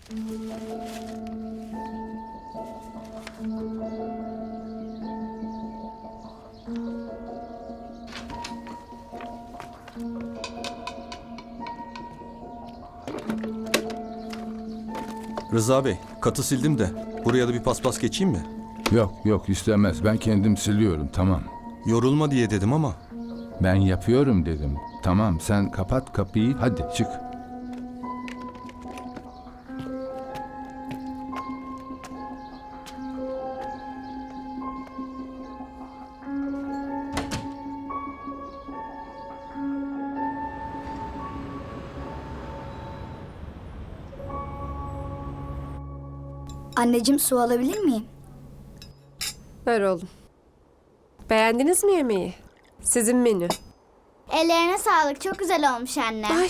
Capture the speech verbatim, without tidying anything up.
Rıza Bey, katı sildim de buraya da bir paspas geçeyim mi? Yok yok istemez. Ben kendim siliyorum tamam. Yorulma diye dedim ama. Ben yapıyorum dedim. Tamam sen kapat kapıyı hadi çık. Anneciğim, su alabilir miyim? Ver oğlum. Beğendiniz mi yemeği? Sizin menü. Ellerine sağlık. Çok güzel olmuş anne. Ay